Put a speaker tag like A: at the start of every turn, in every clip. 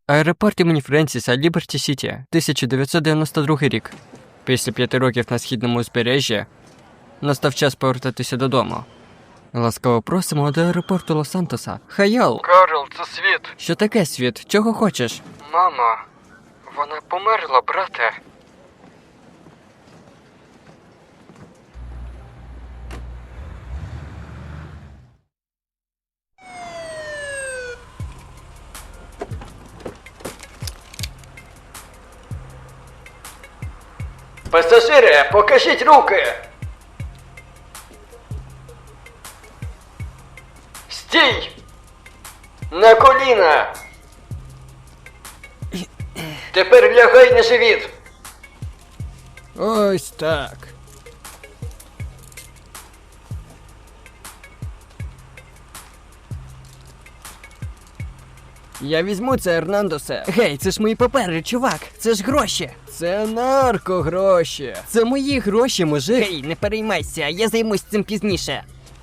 A: Аеропорт імені Френсіса, Ліберті Сіті, 1992 рік. Після 5 років на східному узбережжі настав час повертатися додому. Ласкаво просимо до аеропорту Лос-Сантоса. Хайол!
B: Карл, це Світ.
A: Що таке, Світ? Чого хочеш?
B: Мама, вона померла, брате. Пасажири, покажіть руки! Стій! На коліна! Тепер лягай на живіт!
A: Ось так. Я візьму це, Ернандосе. Гей, це ж мої папери, чувак. Це ж гроші. Це наркогроші. Це мої гроші, мужик. Гей, не переймайся, я займусь цим пізніше.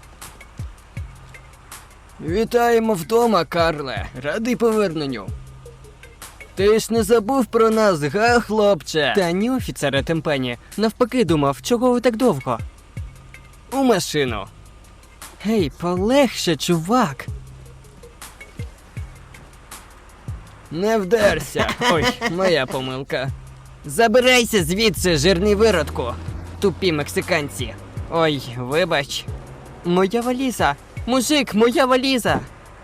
A: Вітаємо вдома, Карле. Радий поверненню. Ти ж не забув про нас, га, хлопче? Та ні, офіцере Темпені. Навпаки думав, чого ви так довго? У машину. Гей, полегше, чувак. Не вдерся. Ой, моя помилка. Забирайся звідси, жирний виродку. Тупі мексиканці. Ой, вибач. Моя валіза. Мужик, моя валіза.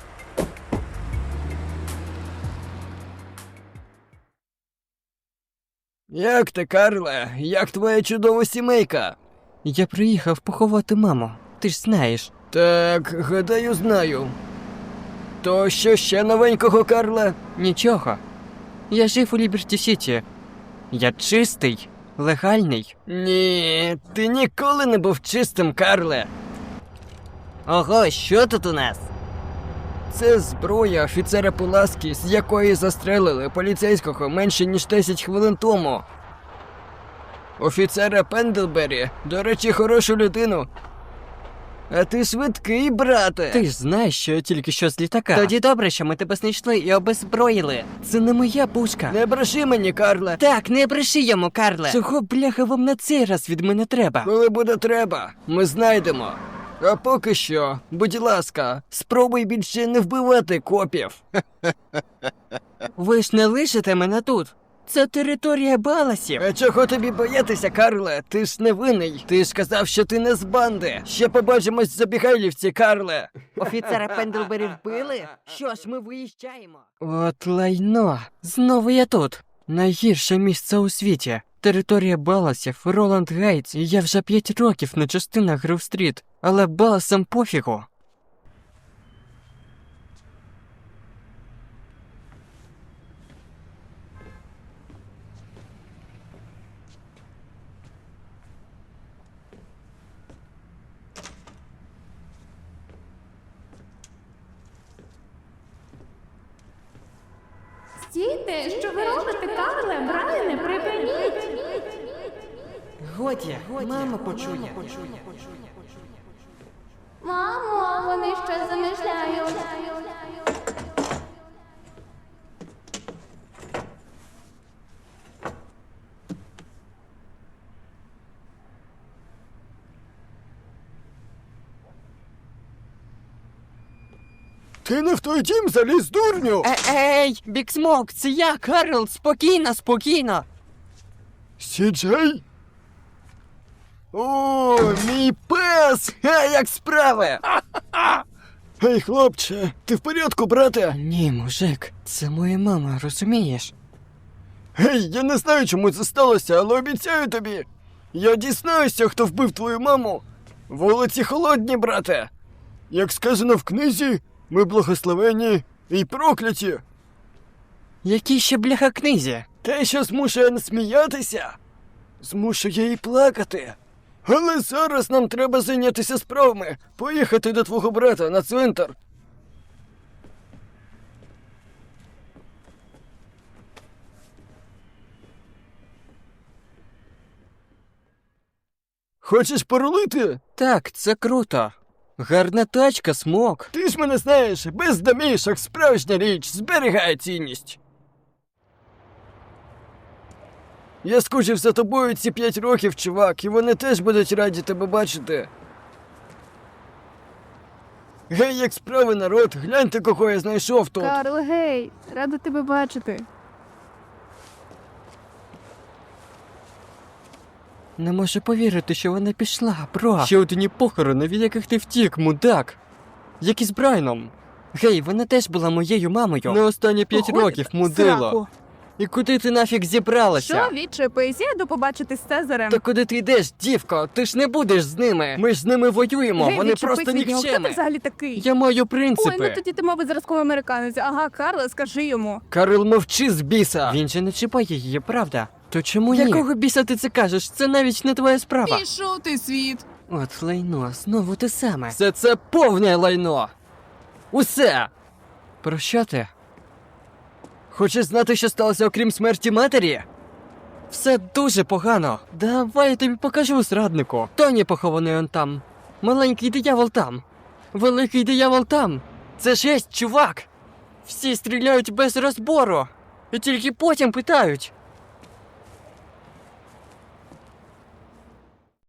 A: Як ти, Карле? Як твоя чудова сімейка? Я приїхав поховати маму. Ти ж знаєш. Так, гадаю, знаю. То що ще новенького, Карле? Нічого. Я жив у Ліберті Сіті. Я чистий, легальний. Ні, ти ніколи не був чистим, Карле. Ого, що тут у нас? Це зброя офіцера Пуласки, з якої застрелили поліцейського менше ніж 10 хвилин тому. Офіцера Пендлбері, до речі, хорошу людину. А ти швидкий, брате. Ти ж знаєш, що я тільки що з літака. Тоді добре, що ми тебе знайшли і обезброїли. Це не моя пушка. Не бреши мені, Карле. Так, не бреши йому, Карле. Чого, бляха, вам на цей раз від мене треба? Коли буде треба, ми знайдемо. А поки що, будь ласка, спробуй більше не вбивати копів. Ви ж не лишите мене тут. Це територія Баласів. А чого тобі боятися, Карле? Ти ж не винний. Ти ж казав, що ти не з банди. Ще побачимось в Забігайлівці, Карле. Офіцера Пендлбері вбили? Що ж, ми виїжджаємо. От лайно. Знову я тут. Найгірше місце у світі. Територія Баласів, Роланд Гейтс. Я вже 5 років на частинах Грив-стріт. Але Баласам пофігу.
C: Стійте, що ви робите, Карле? Брайане, припиніть!
A: Годі, мама почує.
C: Мамо, вони ще замишляють.
A: Ти не в той дім заліз, дурню! Ей, Бік Смок, це я, Карл, спокійно, спокійно.
D: Сіджей?
A: О, мій пес! Як справи?
D: Гей, хлопче, ти в порядку, брате?
A: Ні, мужик, це моя мама, розумієш?
D: Гей, я не знаю, чому це сталося, але обіцяю тобі. Я дізнаюся, хто вбив твою маму. Вулиці холодні, брате. Як сказано в книзі, ми благословені і прокляті.
A: Якій ще бляха книзі?
D: Те, що змушує не сміятися, змушує і плакати. Але зараз нам треба зайнятися справами, поїхати до твого брата на цвинтар. Хочеш порулити?
A: Так, це круто. Гарна тачка, Смок.
D: Ти ж мене знаєш, без домішок справжня річ зберігає цінність. Я скучив за тобою ці 5 років, чувак, і вони теж будуть раді тебе бачити. Гей, як справи, народ, гляньте, кого я знайшов тут.
C: Карл, гей, рада тебе бачити.
A: Не можу повірити, що вона пішла, бро. Ще одні похорони, від яких ти втік, мудак. Як і з Брайаном. Гей, вона теж була моєю мамою. На останні 5
E: Ходь,
A: років, мудило.
E: сраку.
A: І куди ти нафіг зібралася?
E: Що, відчепись, я йду побачити з Цезарем.
A: Та куди ти йдеш, дівко? Ти ж не будеш з ними. Ми ж з ними воюємо,
E: Гей,
A: вони
E: відчепись
A: просто
E: від нього. Хто ти
A: нікчеми.
E: взагалі такий?
A: Я маю
E: Ой, ну
A: принципи.
E: тоді ти, мабуть, зразковий американець. Ага, Карле, скажи йому.
D: Карл, мовчи з біса.
A: Він же не чіпає її, правда? То чому ні?
D: ні?
A: Якого біса ти це кажеш? Це навіть не твоя справа.
E: Пішов ти світ.
A: От лайно, знову те саме. Все це повне лайно. Усе. Про що ти?
D: Хочеш знати, що сталося окрім смерті матері?
A: Все дуже погано. Давай я тобі покажу, зраднику. Тоні похований он там. Маленький диявол там. Великий диявол там. Це жесть, чувак. Всі стріляють без розбору. І тільки потім питають.